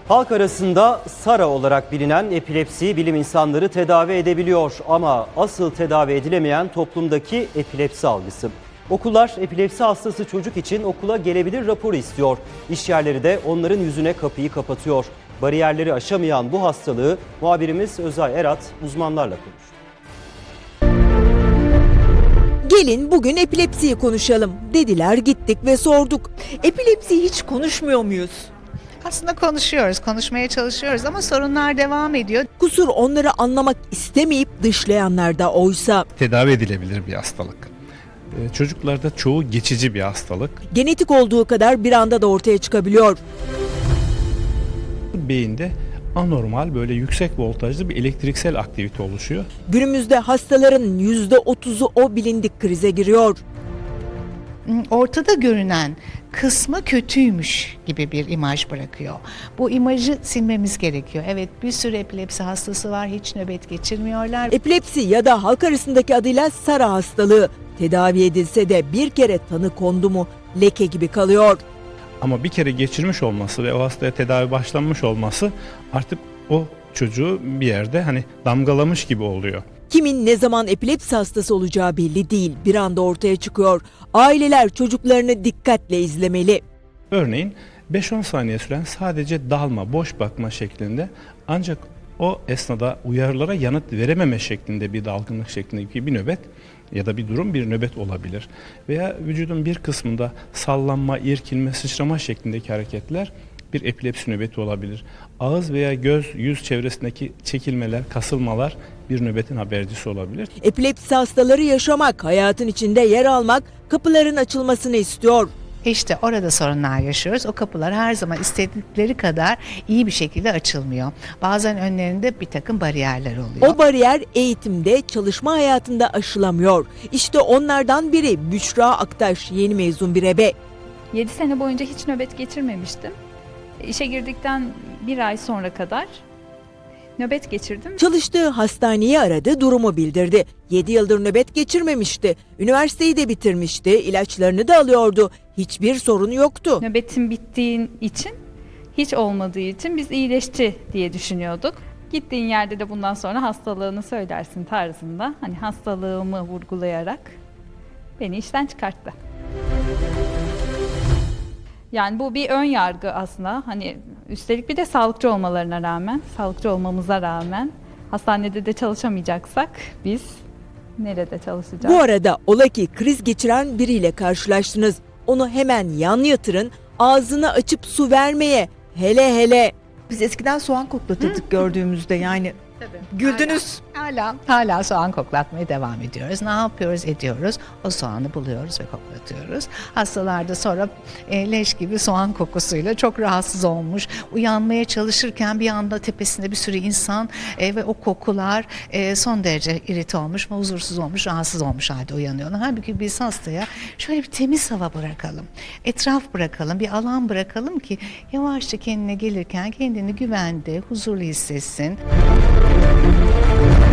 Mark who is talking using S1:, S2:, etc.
S1: Halk arasında SARA olarak bilinen epilepsi bilim insanları tedavi edebiliyor ama asıl tedavi edilemeyen toplumdaki epilepsi algısı. Okullar epilepsi hastası çocuk için okula gelebilir raporu istiyor. İş yerleri de onların yüzüne kapıyı kapatıyor. Bariyerleri aşamayan bu hastalığı muhabirimiz Özay Erat uzmanlarla konuştu.
S2: Gelin bugün epilepsiyi konuşalım dediler, gittik ve sorduk. Epilepsiyi hiç konuşmuyor muyuz?
S3: Aslında konuşuyoruz, konuşmaya çalışıyoruz ama sorunlar devam ediyor.
S2: Kusur onları anlamak istemeyip dışlayanlarda oysa.
S4: Tedavi edilebilir bir hastalık. Çocuklarda çoğu geçici bir hastalık.
S2: Genetik olduğu kadar bir anda da ortaya çıkabiliyor.
S4: Beyinde anormal böyle yüksek voltajlı bir elektriksel aktivite oluşuyor.
S2: Günümüzde hastaların %30'u o bilindik krize giriyor.
S3: Ortada görünen kısmı kötüymüş gibi bir imaj bırakıyor. Bu imajı silmemiz gerekiyor. Evet, bir sürü epilepsi hastası var, hiç nöbet geçirmiyorlar.
S2: Epilepsi ya da halk arasındaki adıyla SARA hastalığı tedavi edilse de bir kere tanı kondu mu leke gibi kalıyor.
S4: Ama bir kere geçirmiş olması ve o hastaya tedavi başlanmış olması artık o çocuğu bir yerde damgalamış gibi oluyor.
S2: Kimin ne zaman epilepsi hastası olacağı belli değil. Bir anda ortaya çıkıyor. Aileler çocuklarını dikkatle izlemeli.
S4: Örneğin 5-10 saniye süren sadece dalma, boş bakma şeklinde, ancak o esnada uyarılara yanıt verememe şeklinde bir dalgınlık şeklindeki bir nöbet ya da bir durum bir nöbet olabilir. Veya vücudun bir kısmında sallanma, irkilme, sıçrama şeklindeki hareketler bir epilepsi nöbeti olabilir. Ağız veya göz, yüz çevresindeki çekilmeler, kasılmalar bir nöbetin habercisi olabilir.
S2: Epilepsi hastaları yaşamak, hayatın içinde yer almak, kapıların açılmasını istiyor.
S3: İşte orada sorunlar yaşıyoruz. O kapılar her zaman istedikleri kadar iyi bir şekilde açılmıyor. Bazen önlerinde bir takım bariyerler oluyor.
S2: O bariyer eğitimde, çalışma hayatında aşılamıyor. İşte onlardan biri Büşra Aktaş, yeni mezun bir ebe.
S5: 7 sene boyunca hiç nöbet geçirmemiştim. İşe girdikten bir ay sonra kadar nöbet geçirdim.
S2: Çalıştığı hastaneyi aradı, durumu bildirdi. 7 yıldır nöbet geçirmemişti. Üniversiteyi de bitirmişti, ilaçlarını da alıyordu. Hiçbir sorunu yoktu.
S5: Nöbetim bittiği için, hiç olmadığı için biz iyileşti diye düşünüyorduk. Gittiğin yerde de bundan sonra hastalığını söylersin tarzında, hastalığımı vurgulayarak beni işten çıkarttı. Yani bu bir ön yargı aslında. Üstelik bir de sağlıkçı olmalarına rağmen, sağlıkçı olmamıza rağmen hastanede de çalışamayacaksak biz nerede çalışacağız?
S2: Bu arada ola ki kriz geçiren biriyle karşılaştınız. Onu hemen yan yatırın, ağzını açıp su vermeye, hele. Biz eskiden soğan koklatırdık gördüğümüzde, yani güldünüz.
S3: Hala soğan koklatmaya devam ediyoruz. Ne yapıyoruz? Ediyoruz. O soğanı buluyoruz ve koklatıyoruz. Hastalar da sonra leş gibi soğan kokusuyla çok rahatsız olmuş. Uyanmaya çalışırken bir anda tepesinde bir sürü insan ve o kokular son derece irite olmuş, huzursuz olmuş, rahatsız olmuş halde uyanıyorlar. Halbuki biz hastaya şöyle bir temiz hava bırakalım. Etraf bırakalım, bir alan bırakalım ki yavaşça kendine gelirken kendini güvende, huzurlu hissetsin.